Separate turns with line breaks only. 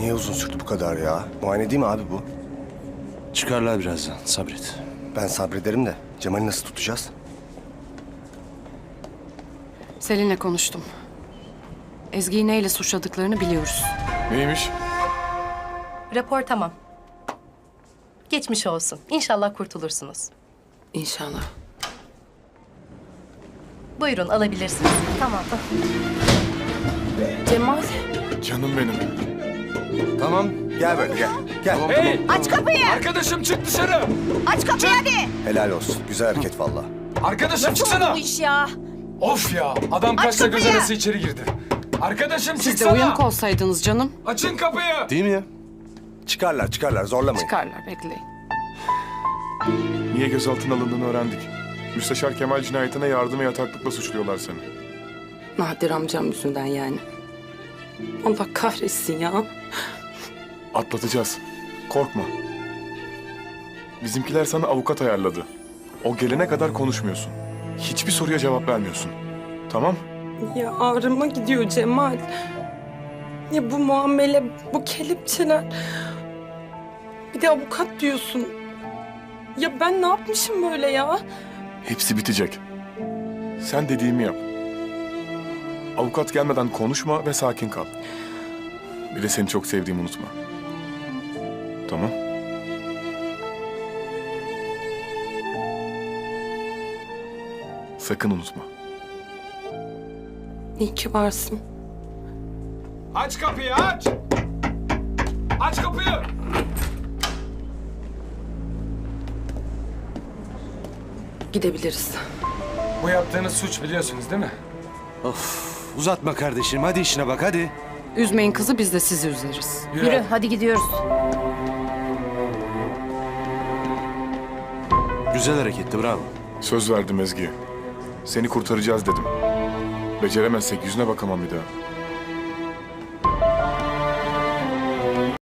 Niye uzun sürdü bu kadar ya? Muayene değil mi abi bu?
Çıkarlar birazdan, sabret.
Ben sabrederim de Cemal'i nasıl tutacağız?
Selin'le konuştum. Ezgi'yi neyle suçladıklarını biliyoruz.
Neymiş?
Rapor tamam. Geçmiş olsun. İnşallah kurtulursunuz.
İnşallah.
Buyurun alabilirsiniz. Tamam.
Cemal.
Canım benim.
Tamam.
Gel böyle gel. Gel.
Hey!
Aç kapıyı!
Arkadaşım çık dışarı!
Aç kapıyı hadi!
Helal olsun. Güzel hareket vallahi.
Arkadaşım çıksana!
Bu iş ya.
Of ya! Adam kaçla göz
kapıyı!
arası içeri girdi. Arkadaşım
Siz de
çıksana!
uyanık olsaydınız canım.
Açın kapıyı!
Değil mi ya?
Çıkarlar zorlamayın.
Çıkarlar, bekleyin.
Niye gözaltına alındığını öğrendik. Müsteşar Kemal cinayetine yardım ve yataklıkla suçluyorlar seni.
Nadir amcam yüzünden yani. Allah kahretsin ya.
Atlatacağız. Korkma. Bizimkiler sana avukat ayarladı. O gelene kadar konuşmuyorsun. Hiçbir soruya cevap vermiyorsun. Tamam?
Ya ağrıma gidiyor Cemal. Ya bu muamele, bu kelepçeler. Bir de avukat diyorsun. Ya ben ne yapmışım böyle ya?
Hepsi bitecek. Sen dediğimi yap. Avukat gelmeden konuşma ve sakin kal. Bir de seni çok sevdiğimi unutma. Tamam? Sakın unutma.
İyi ki varsın.
Aç kapıyı aç! Aç kapıyı!
Gidebiliriz.
Bu yaptığınız suç biliyorsunuz değil mi?
Of, uzatma kardeşim. Hadi işine bak, hadi.
Üzmeyin kızı, biz de sizi üzeriz.
Yürü hadi gidiyoruz.
Güzel hareketti, bravo.
Söz verdim Ezgi. Seni kurtaracağız dedim. Beceremezsek yüzüne bakamam bir daha.